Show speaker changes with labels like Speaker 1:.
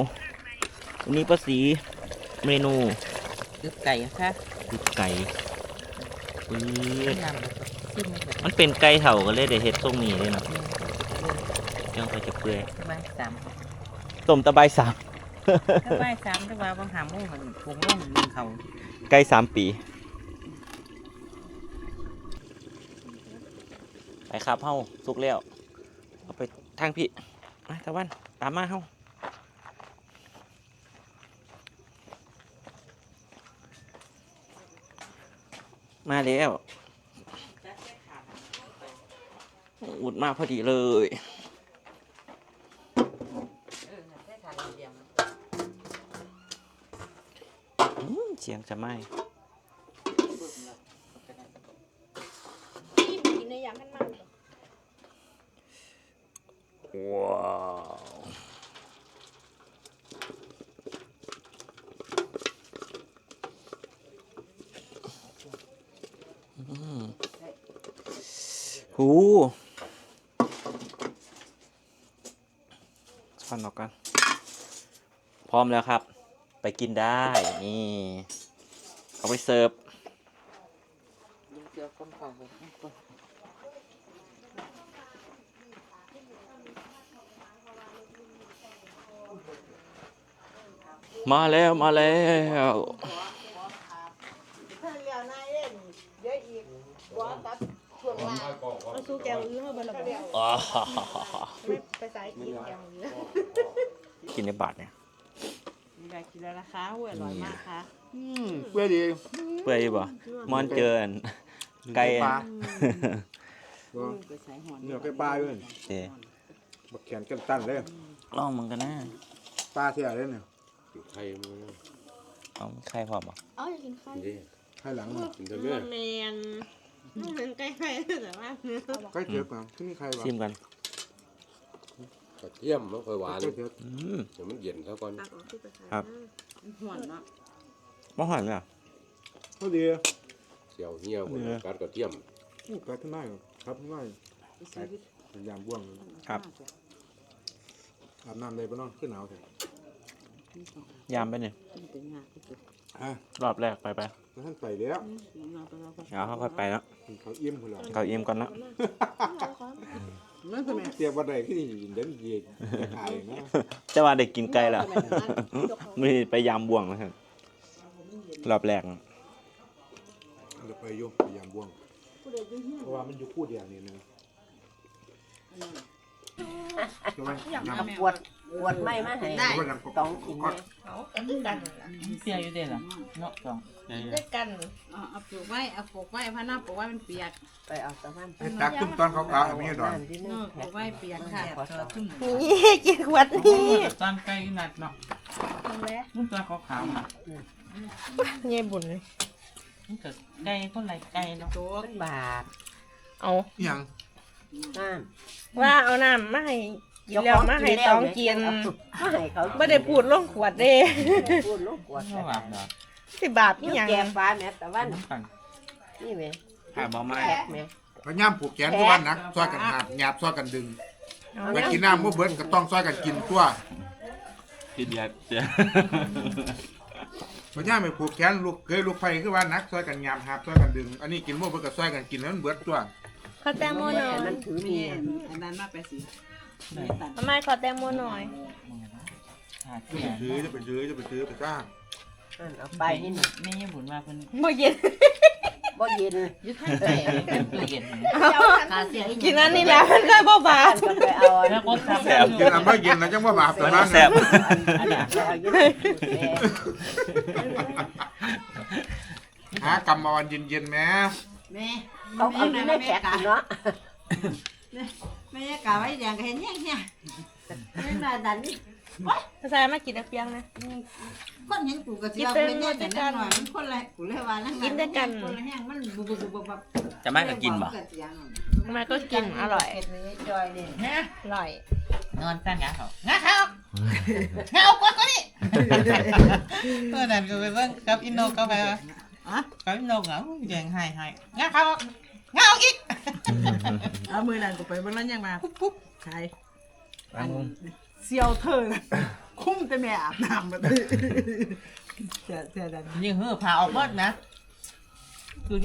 Speaker 1: วันนี้ป้าสีเมนู
Speaker 2: คือไก่ค่ะ
Speaker 1: คือไก่ปื๊ด
Speaker 2: น้ำซิมแบบ
Speaker 1: มันเป็นไก่เถ่ากันเลยเดี๋ยวเฮ็ดทรงนี้เลยเนาะยังไปจะเปื่อย
Speaker 2: ใบสาม
Speaker 1: ต้มตะไบสาม
Speaker 2: ถ้าใบสามถ้าว่าบางหาโมงมันพงล่องมันเขา
Speaker 1: ไก่3 ปีไปครับเฮาสุกแล้วเอาไปทางพี่มาตะวันตามมาเฮามาแล้วอุดมาพอดีเลยเสียงจะไหม
Speaker 3: กินในยามมันมัน
Speaker 1: ว้าวหูฟันออกกันพร้อมแล้วครับ ไปกินได้นี่เอาไปเสิร์ฟ
Speaker 2: เดี๋ยวก้มเข่าไป
Speaker 1: มาแล้วมาแล้ว
Speaker 3: ถ้าเลี้ยวนายเล่นเดี๋ยวอีกบัวตัดช่วงล่างมาสู้แกงอื้อมาบนระเบียง
Speaker 1: อ๋อ
Speaker 3: ไม่ไปสายกินแกงอื้อ
Speaker 1: กินในบาทเนี่ย
Speaker 3: มีอะไรกินแล้วนะคะอร่อยมากค่ะ
Speaker 4: เพื่อดี
Speaker 1: เปื่อยบ่มอนเจออันไก่
Speaker 4: ปลา
Speaker 2: ไปใส่หอน
Speaker 4: เนื้อไก่ปลาด้วย
Speaker 1: เดี๋ยว
Speaker 4: บักแขนกันตั้นเลย
Speaker 1: ลองมันกันนะ
Speaker 4: ปลาเที่ยเลยเนี่ย
Speaker 5: ไข่มัน
Speaker 1: เอาไข่พร้อมบ่
Speaker 3: เอาอยากกินข้าว
Speaker 5: ดี
Speaker 4: ให้หลังมา
Speaker 5: กินแต่เนื้อ
Speaker 3: แมนมันใกล้ๆแต่ว่า
Speaker 4: ใกล้เทียบกันที่นี่ใครวะ
Speaker 1: ชิมกัน
Speaker 5: กระเทียมมันค่อยหวาน
Speaker 4: ใกล้เทียบ
Speaker 1: อืม
Speaker 5: เดี๋ยวมันเย็นซะก่อน
Speaker 1: ครับ
Speaker 3: หวนเนาะ
Speaker 1: บ่หอนเลยอ่ะ
Speaker 4: เขาดี
Speaker 5: เสียวเหี่ยวคนกัดกระเทียม
Speaker 4: อู้กัดขึ้นได้ครับขึ้นได้พยายามบ้วง
Speaker 1: ครับ
Speaker 4: อาบน้ำเลยปะน้องขึ้นหนาวเถอะ
Speaker 1: ยามไปเนี่ย
Speaker 4: อ่ะ
Speaker 1: รอบแรกไป
Speaker 4: แล้วท่านใส่แล้ว
Speaker 1: เอาเขาค่อยไปแล้ว
Speaker 4: เขาอิ่มคนละ
Speaker 1: เขาอิ่มก่อนเนาะ
Speaker 4: นั่นทำไมเทียบวันใดที่นี่เด่นเย็นถ่ายนะ
Speaker 1: จะว่าได้กินไก่แล้วไม่ได้ไปยามบ่วงแล้วครับรอบแรก
Speaker 4: เดี๋ยวไปโยมพยายามบ้วงเพราะว่ามันอยู่คู่เดียวนี่นะทำไมน้ำ
Speaker 2: ปวดไม่มาให้
Speaker 4: ได้น้ำ
Speaker 2: ต้องกิน
Speaker 4: ก็
Speaker 3: เอาด้วยกัน
Speaker 2: เปียอยู่เด้อล่ะเนาะต้อง
Speaker 3: ด้วยกัน
Speaker 6: เอาปลูกไว้พะน้าปลูกไว้มันเปียก
Speaker 2: ไปเอาตะวัน
Speaker 4: ไอ้ตักตุ้มตอนขาวๆไม่ใช่ดอก
Speaker 2: ที่
Speaker 6: เอ
Speaker 2: นี่
Speaker 6: อปลูกไว้เปียกค่ะ
Speaker 3: นี่กินขวดนี่
Speaker 2: ตอนไก่นัดเนาะ
Speaker 3: แล้ว
Speaker 2: นุ่มตัวขาวๆน่ะ
Speaker 3: เย่บุญเลย
Speaker 2: มันก็ไก่คนไหลไก่เนาะ
Speaker 6: โจ๊ก
Speaker 2: บาท
Speaker 3: เอา
Speaker 4: ยัง
Speaker 2: น้
Speaker 3: ว่าเอาน้ำมาให้กินแล้วมาให้ตองกิน
Speaker 2: มาให้เขา
Speaker 3: ไม่ได้พูดลงขวดเด้
Speaker 2: พูดลูกกวด
Speaker 1: บาทดอก
Speaker 3: สิบาทนี่ยัง
Speaker 2: แกงฟ้าแม่ตะวัน
Speaker 1: น้ำกัน
Speaker 2: นี่แม่
Speaker 1: หาบ่ไม้
Speaker 2: แขกแม่
Speaker 4: พยายามผูกแขนทุกวันนะซอยกันหยาบซอยกันดึงไปกินน้ำมื่อเบิดก็ต้องซอยกันกินตัว
Speaker 1: กินยาเจ้
Speaker 4: พยายามไปผูกแขนลูกเคยลูกไฟคือว่านักซอยกันหยาบหาบซอยกันดึง อันนี้กินมื่อเบิดก็ซอยกันกินแล้วมันเบิดตัว
Speaker 3: ขอแตงโมหน่อย
Speaker 2: มันถือ
Speaker 6: มี
Speaker 2: มี
Speaker 6: อันนั้นมาไปสิตัด
Speaker 3: ทำไมขอแตงโมหน่อย
Speaker 4: จะไปซื้อไปจ้าง
Speaker 2: เอาไปนี่น่ะ
Speaker 1: ไม่ยังบุญมาเพิ่น
Speaker 3: โมเย็น
Speaker 2: บ่เย็น
Speaker 6: ยึดให้ใส่
Speaker 1: ตู้เย็น
Speaker 6: กาเสียอีก
Speaker 3: กินอันนี้แล้วมันก็บ่บาท
Speaker 2: ก็ไปเอา
Speaker 1: แล้วก็แสบ
Speaker 4: กินอันไม่เย็นนะจังว่าบาปแต่ว่า
Speaker 1: แสบ
Speaker 2: อันนี้เอาอยู่
Speaker 4: หากรรมมาวันเย็นๆแม่
Speaker 6: แม่
Speaker 2: เขาเอาอยู่ในแขกเนาะ
Speaker 6: แม่กาไว้แดงก็เห็นแห้งไม่มาดันนี่
Speaker 3: ใส่มากินน้ำเปียงนะ
Speaker 6: คนเห็นกูก็เสียเป็นแย่แต่นั่นหน่อยมันคนละกูเลยว่านั่งคนละแห้งมันบุบ
Speaker 1: จะไม่ก็กินบ่
Speaker 3: ทำไมก็กินอร่อย
Speaker 6: เห็ดเลยจอยนี่
Speaker 3: อร่อย
Speaker 2: นอนตั้งงาเขา
Speaker 6: งาเขางาเอาก้อนก็นี่
Speaker 2: เมื่อนั้นก็ไปเบิ่งกับอินโนก็ไปว่ากับอินโนเหงาแยงให้งาเขางาเอาอีก
Speaker 6: เอามือนั่นกูไปเบิ่งแล้วยังมาปุ๊บใคร
Speaker 1: อัน
Speaker 6: เซียวเธอคุ้มแต่แม่อาบน้ำมาเจอดัน
Speaker 2: ยิ่งหื้อผ่าออกหมดนะ